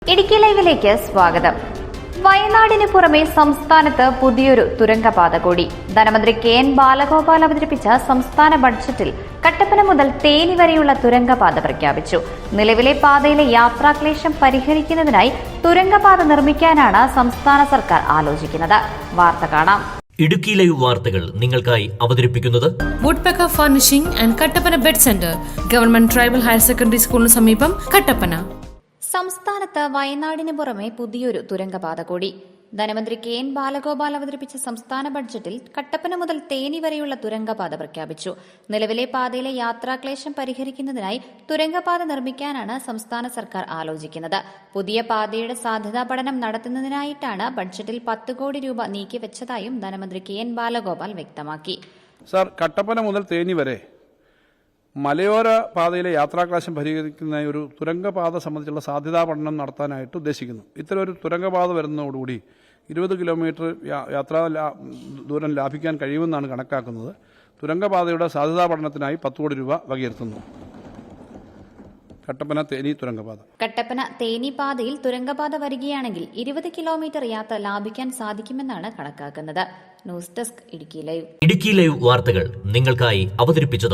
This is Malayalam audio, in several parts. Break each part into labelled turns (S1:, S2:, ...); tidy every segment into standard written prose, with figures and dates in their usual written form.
S1: ഇടുക്കി ലൈവിലേക്ക് സ്വാഗതം. വയനാടിന് പുറമെ സംസ്ഥാനത്ത് പുതിയൊരു തുരങ്കപാത കൂടി. ധനമന്ത്രി കെ.എൻ. ബാലഗോപാൽ അവതരിപ്പിച്ച സംസ്ഥാന ബഡ്ജറ്റിൽ കട്ടപ്പന മുതൽ തേനി വരെയുള്ള തുരങ്കപാത പ്രഖ്യാപിച്ചു. നിലവിലെ പാതയിലെ യാത്രാക്ലേശം പരിഹരിക്കുന്നതിനായി തുരങ്കപാത നിർമ്മിക്കാനാണ് സംസ്ഥാന സർക്കാർ ആലോചിക്കുന്നത്. വാർത്ത കാണാം.
S2: ഇടുക്കി ലൈവ് വാർത്തകൾ നിങ്ങൾക്കായി അവതരിപ്പിക്കുന്നത്
S3: Woodpecker furnishing and Kattappana bed centre, government tribal higher secondary സ്കൂളിന് സമീപം, കട്ടപ്പന.
S1: സംസ്ഥാനത്ത് വയനാടിന് പുറമെ പുതിയൊരു തുരങ്കപാത കൂടി. ധനമന്ത്രി കെ.എൻ. ബാലഗോപാൽ അവതരിപ്പിച്ച സംസ്ഥാന ബഡ്ജറ്റിൽ കട്ടപ്പന മുതൽ തേനി വരെയുള്ള തുരങ്കപാത പ്രഖ്യാപിച്ചു. നിലവിലെ പാതയിലെ യാത്രാക്ലേശം പരിഹരിക്കുന്നതിനായി തുരങ്കപാത നിർമ്മിക്കാനാണ് സംസ്ഥാന സർക്കാർ ആലോചിക്കുന്നത്. പുതിയ പാതയുടെ സാധ്യതാ പഠനം നടത്തുന്നതിനായിട്ടാണ് ബഡ്ജറ്റിൽ 10 കോടി രൂപ നീക്കിവെച്ചതായും ധനമന്ത്രി കെ.എൻ. ബാലഗോപാൽ വ്യക്തമാക്കി.
S4: സർ, കട്ടപ്പന മുതൽ തേനി വരെ മലയോര പാതയിലെ യാത്രാക്ലേശം പരിഹരിക്കുന്നതിനായി ഒരു തുരങ്കപാത സംബന്ധിച്ചുള്ള സാധ്യതാ പഠനം നടത്താനായിട്ട് ഉദ്ദേശിക്കുന്നു. ഇത്തരം ഒരു തുരങ്കപാത വരുന്നതോടുകൂടി 20 കിലോമീറ്റർ യാത്രാ ദൂരം ലാഭിക്കാൻ കഴിയുമെന്നാണ് കണക്കാക്കുന്നത്. തുരങ്കപാതയുടെ സാധ്യതാ പഠനത്തിനായി 10 കോടി രൂപ വകയിരുത്തുന്നു. കട്ടപ്പന തേനി തുരങ്കപാത.
S1: കട്ടപ്പന തേനി പാതയിൽ തുരങ്കപാത വരികയാണെങ്കിൽ 20 കിലോമീറ്റർ യാത്ര ലാഭിക്കാൻ സാധിക്കുമെന്നാണ് കണക്കാക്കുന്നത്. News desk, Idukki live.
S2: Idukki live വാർത്തകൾ നിങ്ങൾക്കായി അവതരിപ്പിച്ചത്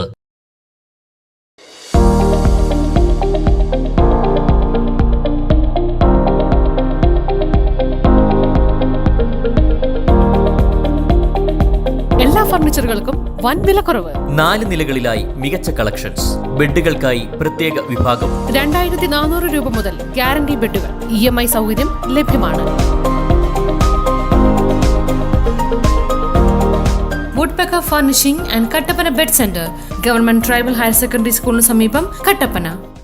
S3: എല്ലാ ഫർണിച്ചറുകൾക്കും വൻ വിലക്കുറവ്.
S2: 4 നിലകളിലായി മികച്ച കളക്ഷൻസ്. ബെഡുകൾക്കായി പ്രത്യേക വിഭാഗം.
S3: 2400 രൂപ മുതൽ ഗ്യാരണ്ടി ബെഡുകൾ. EMI സൗകര്യം ലഭ്യമാണ്. Woodpecker furnishing and Kattappana bed centre, government tribal higher secondary സ്കൂളിന് സമീപം, കട്ടപ്പന.